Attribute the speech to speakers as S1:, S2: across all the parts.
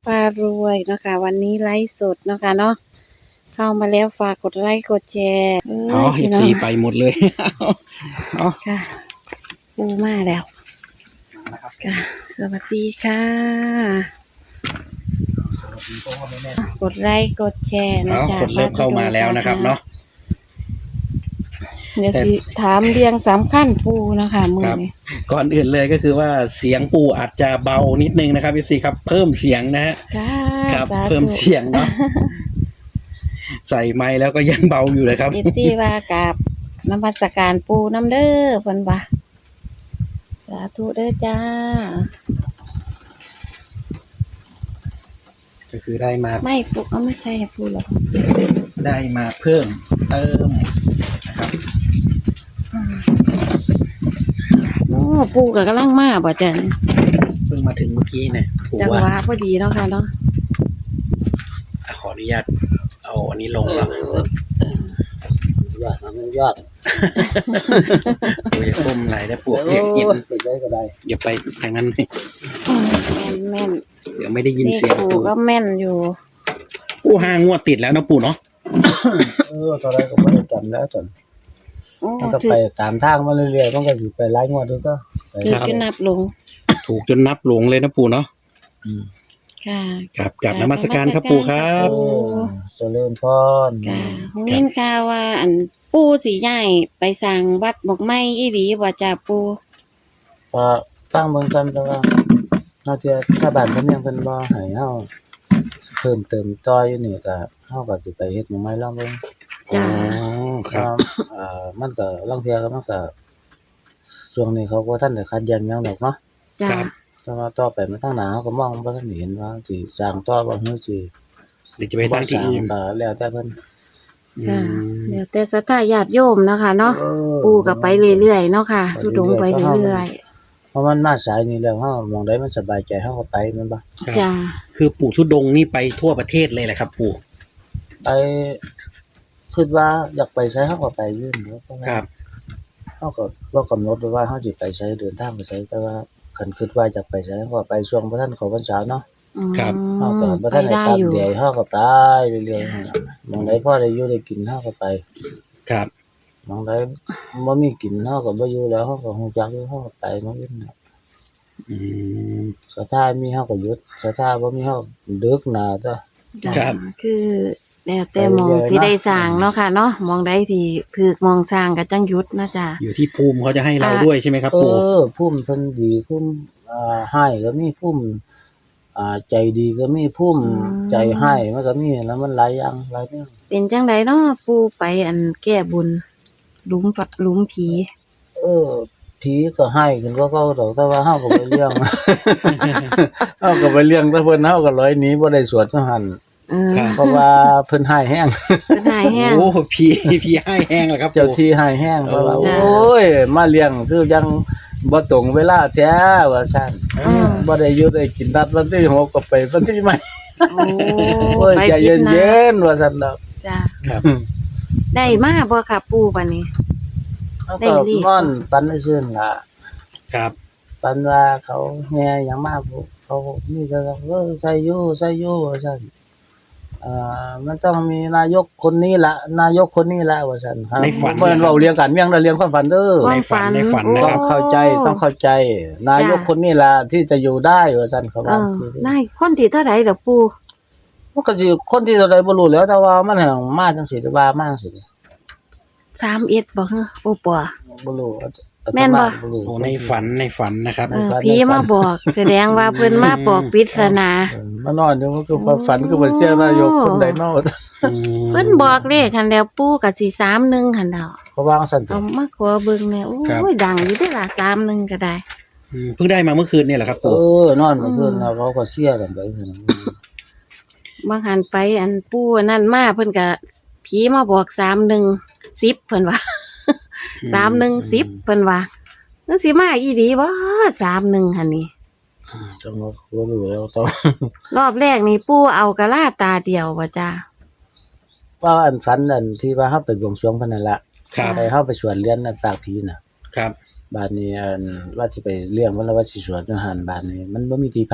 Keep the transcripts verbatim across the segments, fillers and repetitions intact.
S1: พารวยเนาะค่ะวันนี้ไลฟ์สดเนาะค่ะเนาะเข้ามาแล้วฝากกดไลค์กดแชร์เอ้
S2: อ๋อย เอ
S1: พี่
S2: ฟ
S1: น้อ
S2: ซี
S1: ง
S2: ไปหมดเลย อ๋อ
S1: ค่ะปูมาแล้วค่ะสวัสดีค่ะ กดไลค์กดแชร์นะ
S2: เอา
S1: จ๊ะ
S2: คนเริ่มเข้ามาแล้วนะครับเนาะ
S1: เดี๋ยว
S2: แต่
S1: สิถามเรียงสามขั้นปูเนาะคะมือ
S2: ครับ
S1: นี้
S2: ก่อนอื่นเลยก็คือว่าเสียงปู่อาจจะเบานิดนึงนะครับ เอฟ ซี ครับเพิ่มเสียงนะฮะ
S1: ค่ะ
S2: ครับ
S1: สาธุ
S2: เพิ่มเสียงเนาะ ใส่ไมค์แล้วก็ยังเบาอยู่เลยครับ
S1: เอฟซีว่ากับนมัสการปูน้ำเด้อเพิ่นว่าสาธุเด้อจ้า
S2: ก็คือได้มา
S1: ไม่ปูเอาไม่ใช่ปูหรอก
S2: ได้มาเพิ่มเติมนะครับ
S1: อืมโอ้ปูกับกำลังมาบ่จัน
S2: เพิ่งมาถึงเมื่อกี้เนี่ยปู่
S1: จังห
S2: ว่าว
S1: ะพอดีเนาะค่ะเนาะ
S2: ขออนุญาตเอาอันนี้ลงแล้ว
S3: ยอดมันยอด
S2: ปู่อย่าก้มไหลได้ปู่เดี๋ยวยิน
S3: ไปได้ก็ได้
S2: อย่าไปทางนั้นเลย
S1: แม่นแม่น
S2: เดี๋ยวไม่ได้ยิน
S1: นี่
S2: เสียง
S1: ปู
S2: ปู่
S1: ก็แม่นอยู่
S2: ปู่ห้างวดติดแล้วนะปู่เนาะ
S3: เออตอนแรกก็ไม่ได้จำแล้วจน
S1: โอ้
S3: มันก็
S1: ถื
S3: ไป
S1: อ
S3: ตามทางมาเรื่อยๆมันก็สิไปไล่งวดด้วยก็ไป
S1: ถือจนนับลง
S2: ถูกจนนับหลงเลยนะปู่เนาะ
S3: อืม
S1: ค่ะ
S2: ครับกลับนมัสการครับปู่ครับ
S3: เออเจริญพร
S1: ค่ะหงยินข่าวว่า อันปูสีใหญ่ไปสร้างวัดบอกไม้อีหลีบ่จ้าปู
S3: ก็ฟังเบิ่งกันแต่ว่าเฮาจะถ้าบ้านเพิ่นยังเพิ่นบ่ให้เฮาเพิ่มเติมต่ออยู่นี่ก็เฮาก็สิไปเฮ็ดหมู่ไม้ลองเบิ่ง
S2: อ๋อครับ
S3: เอ่อมันก็ลางเทื่อก็มันก็ช่วงนี้เขาก็ทันได้คัดแยกหยังดอกเนาะ
S1: จ้า
S2: ครับ
S3: แต่ว่าต่อไปมันทางหน้าเขาก็มองบ่ทันเห็นว่าสิสร้างต่อบ่ฮู้สิ
S2: เดี๋ยวจะไปสร้างที่อื่น
S3: ก็แล้วแต่เพิ่น
S2: อื
S1: ค่ะ
S2: ม
S1: เดี๋ยวแต่ศรัทธาญาติโยมเนาะค่ะเนาะ
S3: เออ
S1: ปูก็ไปเรื่อยๆเนาะค่ะทุดงไปเรื่อย
S3: เพราะมันมาสายนี้แล้วเฮามองได้มันสบายใจเฮาก็ไปแม่นบ่
S1: ๆจ้า
S2: คือปู่ทุดงค์นี่ไปทั่วประเทศเลยแหละครับ ปู่
S3: ไปคิดว่าอยากไปไสเฮาก็ไปอยู่เนาะเพราะว่า
S2: ครับ
S3: เฮาก็บ่กำหนดว่าเฮาสิไปไสเดินทางไปไสแต่ว่าคันคิดว่าอยากไปไสเฮาก็ไปช่วงบ่ทันเข้าพรรษาเนาะ
S1: อืม
S3: เฮาก็บ่
S1: ไป
S3: ทันได้
S1: ได้
S3: ตาม
S1: อยู่
S3: เดียวเฮาก็ไปเรื่อยๆหมองใดพอได้อยู่ได้กินเฮาก็ไป
S2: ครับ
S3: หมองใดบ่มีกินเฮาก็บ่อยู่แล้วเฮาก็ฮู้จักอยู่เฮาก็ไปหมองอื่นน่ะ
S2: อืม
S3: สถามีเฮาก็หยุดสถาบ่มีเฮาดึกหน้าจ้ะ
S2: ครับ
S1: คือแล้วแต่หมองสิได้สร้างเนาะค่ะเนาะหมองใดที่ถูกหมองสร้างก็จังหยุดเนาะจ้า
S2: อยู่ที่ภูมิเขาจะให้เรา
S1: อ่ะ
S2: ด้วยใช่ไหมครับ
S3: เอ
S2: ปู่
S3: อภูมิเพิ่นดีภูมิอ่าให้ก็มีภูมิอ่าใจดีก็มีภูมิใจให้มันก็มีแล้วมันหลายอย่างหลายแนว
S1: เป็นจังไดเนาะปูไปอันแก้บุญหลุมฝักหลุมผี
S3: เออผีก็ให้ขึ้นกว่าเก่าดอกแต่ว่าเฮาก็ไปเลี้ยง เฮาก็ไปเลี้ยงแต่เพิ่นเฮาก็ลอยหนีบ่ได้สวดจังหั่น
S1: เออ
S3: เพราะว่าเพิ่นให้แฮง
S1: เป็นหายแห้ง
S2: โอ้พี่พี่ให้แห้งแล้วครับ
S3: เจ้า
S2: ปู่
S3: ที่ให้แฮงเพราะว่า
S1: จ้ะ
S3: โอ้ยมาเลี้ยงคือยังบ่ตรงเวลาแท้ว่าซั่น
S1: อืม
S3: บ่ได้อยู่ได้กินนัดวันที่หกก็ไปวันที่ใหม่
S1: โอ้
S3: โอ้ย
S1: ไป
S3: ใจ
S1: พิจนะ
S3: เย็นๆว่าซั่นดอก
S1: จ้า
S2: ครับ
S1: ได้มาบ่ค่ะปูบัดนี้
S3: เขา
S1: ได้
S3: ก็
S1: รีบ
S3: นอนปันซื่นล่ะ
S2: ครับ
S3: ปันว่าเขาแห่หยังมาพวกเขามีแต่ว่าเออใส่อยู่ใส่อยู่ว่าซั่นอ่ามันต้องมีนายกคนนี้ล่ะนายกคนนี้ล่ะว่าซั่นครับ
S2: ในฝัน
S3: บ่แม่นเว้าเรียงกันเมียงแต่เรียงความฝันเด้อ
S2: ในฝันในฝัน
S1: โอ้
S2: นะครับ
S3: ต้องเข้าใจต้องเข้าใจ นายกคนนี้ล่ะที่จะอยู่ได้ว่าซั่นเขา
S1: เอ
S3: ว่า
S1: อ
S3: สิ
S1: ได้คนที่เท่าใดดอกปู
S3: มันก็สิคนที่เท่าใดบ่รู้แหล้วแต่ว่ามันหังมาจังซี่หรือว่ามาจังซี่
S1: สามเอ็ดบ่ฮะโอ้ปัว
S3: บ่รู้
S1: แม่นบ่
S3: รู้
S2: โอ้ในฝันในฝันนะครับ
S1: เออผีมาบอก แสดงว่าเพิ่นมาบอกปริศนา
S3: เออมานอนอยู่มันคือความฝันคือบ่เชื่อนายกคนใดเนาะ
S1: เพิ่นบอกเลขหันแล้วปูก็สิสามหนึ่งหันดอก
S3: เพราะว่าซั่นติ
S1: เอามาขอเบิ่งแหน่โอ้ยดังอยู่เด้อล่ะสามหนึ่งก็ได้
S2: อืมเพิ่งได้มาเมื่อคืนเนี่ยแหละครับ
S3: เอ
S2: ปู่
S3: อนอนเมื่อคืนเขาก็เสียกันไปซั่นน่ะ
S1: บางหันไปอันปูอันนั่นมาเพิ่นก็ผีมาบอกสามหนึ่งสิบเพิ่นว่า สามหนึ่งสิบเพิ่นว่าจังสิมาอีหลีบ่สามหนึ่งหั่นนี่
S3: จังว่าบ่รู้แล้วต้อง
S1: รอบแรกนี่ปูเอากะลาตาเดียวบ่จ้า
S3: ว่าอันฝันอันที่ว่าเฮาไปบวงสรวงเพิ่นนั่นล่ะ
S2: ครับ
S3: ไปเฮาไปสวดเรียนอันปากผีน่ะ
S2: ครับ
S3: บาดนี้อันว่าสิไปเลี้ยงเพิ่นแล้วว่าสิสวดจังหันบาดนี้มันบ่มีที่พัก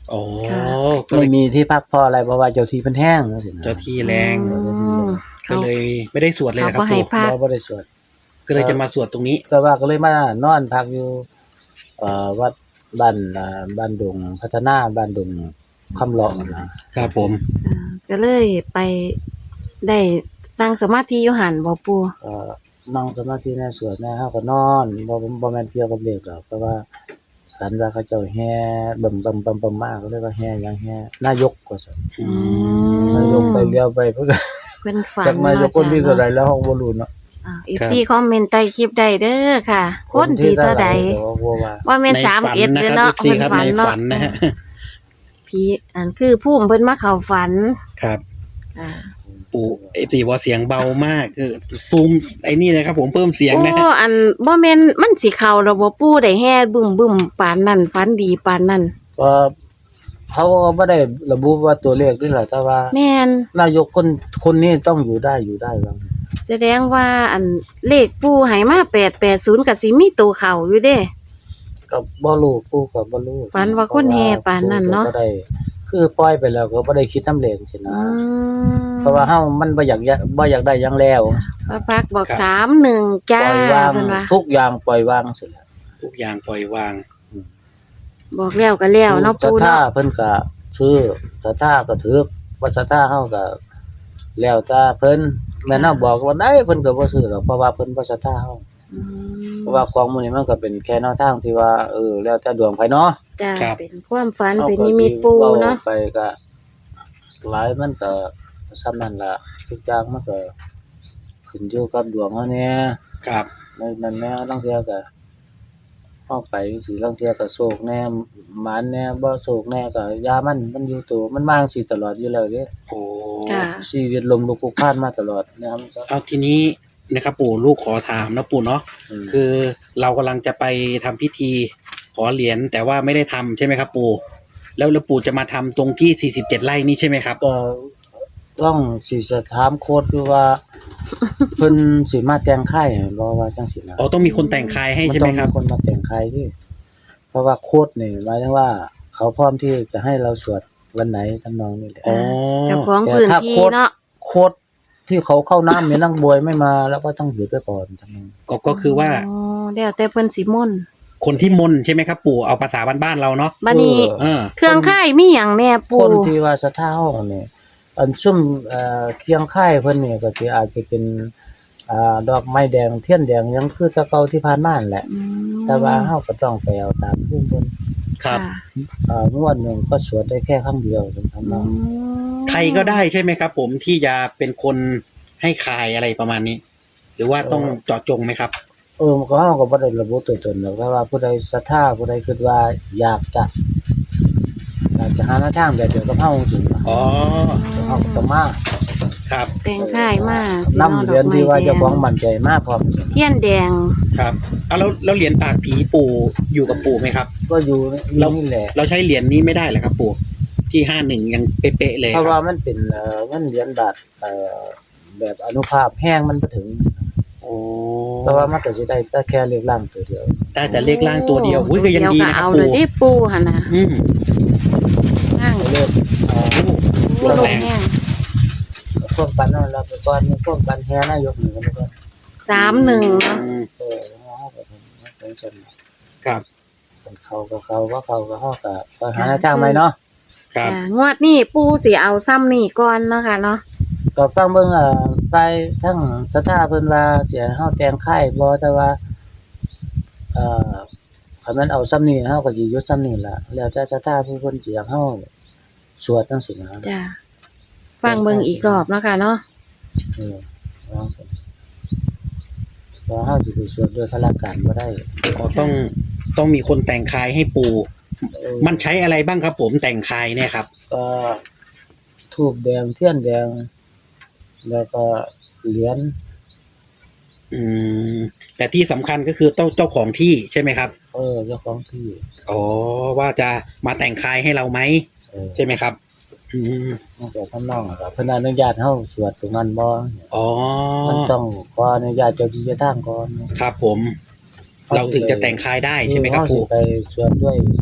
S2: อ๋อ
S1: ค่ะ
S2: ก็เล
S3: ไม่
S2: ย
S3: มีที่พักเพราะอะไรเพราะว่าเจ้าที่เพิ่นแห้งว่าสินะ
S2: เจ้าที่แรง
S1: อืม
S2: ก็
S1: เขา
S2: เลยไม่ได้สวดเลย
S1: เขา
S2: นะครั
S1: ก็
S2: บ
S1: ให้
S2: ปู่
S1: พัก
S3: บ่บ่ได้สวด
S2: ก็เลยจะมาสวดตรงนี้
S3: แต่ว่าก็เลยมานอนพักอยู่เอ่อวัดบ้านอ่าบ้านดงพัฒนาบ้านดงคำเลาะนะครับ
S2: ผม
S1: อ่าก็เลยไปได้ตั้งสมาธิอยู่หันบ่ปู
S3: ก็นั่งสมาธิในสวดแน่เฮาก็นอนบ่บ่แม่นเกี่ยวกับเลขหรอกแต่ว่าฝันว่าเขาเจ้าแห่บึมบึมบึมบึมมาก็เลยว่าแห่หยังแห่นายกว่าซั่น
S2: อื
S1: ม
S3: นายกไปเลี้ยวไปเพิ่นก็
S1: เพิ่นฝัน
S3: จักนายกคนที่เท่าใดแล้วเฮาบ่รู้เนาะ
S1: อ่า เอฟ ซี คอมเมนต์ใต้คลิปได้เด้อค่ะ คนที่เท่าใด
S3: ก็บ่ว่า
S1: ว่าแม่น
S2: ใน
S1: สาม
S2: ฝัน
S1: เอ็ด
S2: นะ
S1: เลย
S2: ครับ
S1: เนาะ
S2: พี่ครับ
S1: เพิ่
S2: ใน
S1: เนาะ
S2: ฝันนะฮะ
S1: ผีอันคือภูมิเพิ่นมาเข้าฝัน
S2: ครับ
S1: อ่า
S2: ปู่ไอ้ตีว่าเสียงเบามากคือซูมไอ้นี่นะครับ ผมเพิ่มเสียง
S1: โอ้
S2: นะฮะ
S1: อันบ่แม่นมันสิเข้าระบบปูได้แฮ่บึ้มบึ้มปานนั้นฝันดีปานนั้น
S3: ก็เขาก็บ่ได้ระบุว่าตัวเลขนี่แหละแต่ว่า
S1: แม่น
S3: นายกคนคนนี้ต้องอยู่ได้อยู่ได้ว่า
S1: แสดงว่าอันเลขปูให้มาแปดแปดศูนย์ก็สิมีตัวเข้าอยู่เด้
S3: ก็บ่รู้ปู่ก็บ่รู้
S1: ฝันว่าคนแห่ปานนั้นเนาะ
S3: ก็บ่ได้คือปล่อยไปแล้วก็บ่ได้คิดนำเลขสินะ
S1: อืม
S3: เพราะว่าเฮามันบ่อยากยะบ่อยากได้หยังแล้ว
S1: พระพักตร์บอก
S2: ครับ
S1: สามหนึ่ง
S3: ป
S1: จ้า
S3: ล่อยวาง
S1: เพิ่นว่า
S3: ทุกอย่างปล่อยวางสิแล้ว
S2: ทุกอย่างปล่อยวาง
S1: บอกแล้วก็แล้วเนาะ
S3: ศรั
S1: ปู
S3: ทธา
S1: เนาะ
S3: เพิ่นก็ซื้อศรัทธาก็ถือบ่ศรัทธาเฮาก็แล้วแต่เพิ่นแม่นเฮาบอกว่าได้เพิ่นก็บ่ซื้อหรอกเพราะว่าเพิ่นบ่ศรัทธาเฮา
S1: อืม
S3: เพราะว่าของหมื้นี้มันก็เป็นแค่แนวทางที่ว่าเออแล้วแต่ดวงไผเนาะ
S1: จ้า
S2: ครับ
S1: เป็นความฝัน
S3: อา
S1: เป็น
S3: ก็
S1: นิมิตปู
S3: ว้
S1: เนาะ
S3: ไปก็หลายมันก็ซ้ำนั่นล่ะทุกอย่างมันก็ขึ้นอยู่กับดวงเฮาแหน่
S2: ครับ
S3: ในนั้นแหน่ลางเทื่อก็เฮาไปสิลางเทื่อก็โศกแหน่หมานแหน่บ่โศกแหน่ก็อย่ามันมันอยู่ตัวมันมาจั่งซี้ตลอดอยู่แล้วเด้
S2: โอ้
S1: จ้า
S3: ชีวิตลมลุกคลุกคลานมาตลอดนะครับก็
S2: เอาทีนี้นะครับ ปู่ลูกขอถามนะปู่เนาะ
S3: อืม
S2: คือเรากำลังจะไปทำพิธีขอเหรียญแต่ว่าไม่ได้ทำใช่ไหมครับ ปู่แล้วแล้วปู่จะมาทำตรงที่สี่สิบเจ็ดไร่นี่ใช่ไหมครับ
S3: ก็ต้องสิจะถามโค้ดอยู่ว่า เพิ่นสิมาแต่งค่ายให้บ่ว่าจังซี่นะ
S2: อ๋อต้องมีคนแต่งคายให้ใช่ไหมครับ
S3: นต้องมีคนมาแต่งค่ายที่เพราะว่าโค้ดนี่หมายถึงว่า เขาพร้อมที่จะให้เราสวดวันไหนทำนองนี้แหละ
S2: อ๋อ
S1: เจ้าของพื้นที่เนาะ
S3: โค้ดที่เขาเข้าน้ำเนี่ยนักบวยไม่มาแล้วก็ต้องหยุดไปก่อนทำนอง
S2: ก็ก็คือว่า
S1: อ๋อแล้วแต่เพิ่นสิมนต์
S2: คนที่มนต์ใช่ไหมครับ ปู่เอาภาษาบ้านๆเราเนาะ
S1: บัดนี้
S2: เออ
S1: เครื่องค่ายมีหยังแน่
S3: ค
S1: ปู
S3: นที่ว่าสะท้าห้องนี่อันซุ่มเอ่อเคียงค่ายเพิ่นนี่ก็สิอาจจะเป็นอ่าดอกไม้แดงเทียนแดงยังคือแตะเก่าที่ผ่านมานั่นแหละ
S1: อืม
S3: แต่ว่าเฮาก็ต้องไปเอาตามภูมิเพิ่น
S2: ครับ
S1: ะ
S3: อ่างวดหนึงก็สวดได้แค่ครั้งเดียวถึงทำ
S1: อื
S3: นอง
S1: ม
S2: ใครก็ได้ใช่ไหมครับ ผมที่จะเป็นคนให้คายอะไรประมาณนี้ หรือว่าต้องเจาะจงไหมครับ
S3: เออมันก็เฮาก็บ่ได้ระบุตัวตนหรอกแต่ว่าผู้ใดศรัทธาผู้ใดคิดว่าอยากจะอยากจะหาแนวทางแบบเดียวกับเฮาจังซี่
S2: อ๋อ
S3: เฮาก็ต้องมา
S2: ครับ
S1: แต่งค่ายมาสิ
S3: นำ
S1: อา
S3: เหรียญที่ว่าเจ้าของมั่นใจมาพร้อม
S1: เทียนแดง
S2: ครับเอาแล้วแล้วเหรียญปากผีปู่อยู่กับปู่ไหมครับ
S3: ก็อยู่
S2: เรา
S3: นี่แหละ
S2: เราใช้เหรียญนี้ไม่ได้เหรอครับ ปู่ที่ห้าหนึ่งยังเป๊ะๆเลย
S3: เพราะ
S2: ค
S3: ว่า
S2: รับ
S3: มันเป็นเอ่อมันเหรียญบาทเอ่อแบบอนุภาพแห้งมันบ่ถึง
S2: โอ้
S3: เพราะว่ามันก็สิได้แต่แค่เลขล่างตัวเดียว
S2: ได้แต่เลขล่างตัวเดียวอุ้ยก็ยังดีนะครับ
S1: เอาเลย
S2: ปู่
S1: ที่ปูหั่นน่ะ
S2: อืม
S1: นั่ง
S3: เลขเอ่อ
S2: โอ้
S1: ล
S2: ล
S1: ง
S2: แรง
S1: แห้ง
S3: พวกกันนั่นเราไปก่อนมีพวกกันแห่นายกนี่กันไปก่อน
S1: สามหนึ่งเนาะ
S2: อืม
S3: เออเฮาก็ทำเป็นจัง
S2: ครับ
S3: เป็นเขาก็เขาว่าเขาก็เฮาก็ก็หาทางใหม่เนาะ
S2: ครับ
S1: อ่างวดนี้ปูสิเอาซ้ำนี่ก่อนเนาะค่ะเนาะ
S3: ก็ฟังเบิ่งเอ่อไปทั้งศรัทธาเพิ่นว่าสิให้เฮาแต่งค่ายบ่แต่ว่าเอ่อคันมันเอาซ้ำนี้เฮาก็สิหยุดซ้ำนี้ล่ะแล้วแต่ศรัทธาผู้เพิ่นสิอยากเฮาสวดจังซี่นะ
S1: จ้ะฟังเบิ่งอีกรอบเนาะค่ะเนาะ
S3: เออว่าซั่นเพราะเฮาสิไปสวดโดยพละการบ่ได้
S2: อ๋อต้องต้องมีคนแต่งคายให้ปู่
S3: เออ
S2: มันใช้อะไรบ้างครับ ผมแต่งคายเนี่ยครับ
S3: ก็ธูปแดงเทียนแดง แล้วก็เหรียญ
S2: อืมแต่ที่สำคัญก็คือเจ้าเจ้าของที่ใช่ไหมครับ
S3: เออเจ้าของที่
S2: อ๋อว่าจะมาแต่งคายให้เราไหม
S3: เออ
S2: ใช่ไหมครับ อืม
S3: มันก็ทำนองก็เพิ่นอนุญาตเฮาสวดตรงนั้นบ่
S2: อ๋อ
S3: มันต้องขออนุญาตเจ้าที่เจ้าทางก่อน
S2: ครับผม เราถึงจะแต่งคายได้ใช่ไหมครับ
S3: เฮาสิ
S2: ปู่
S3: ไปสวดด้วย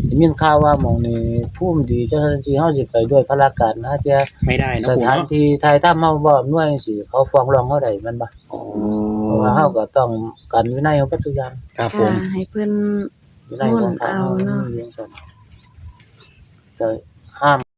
S3: ได้ยินข่าวว่าหม้องนี้ภูมิดีจังซั่นสิเฮาสิไปด้วยพลาการนะเที่ย
S2: ไม่ได้เนาะ
S3: ส
S2: ปู่
S3: ถาน
S2: เนาะ
S3: ที่ถ่ายทำเฮาบ่อำนวยจังซี่เขาฟ้องร้องเฮาได้แม่นบ่
S2: อ๋อ
S3: เพราะว่าเฮาก็ต้องกันวินัยของปัจจุบัน
S2: ครับผ
S1: ค่ะ
S2: ม
S1: ให้เพิ่น
S3: วินัยของพระ
S1: เอา
S3: เฮา
S1: เนาะ
S3: มีจังซั่นก็ห้าม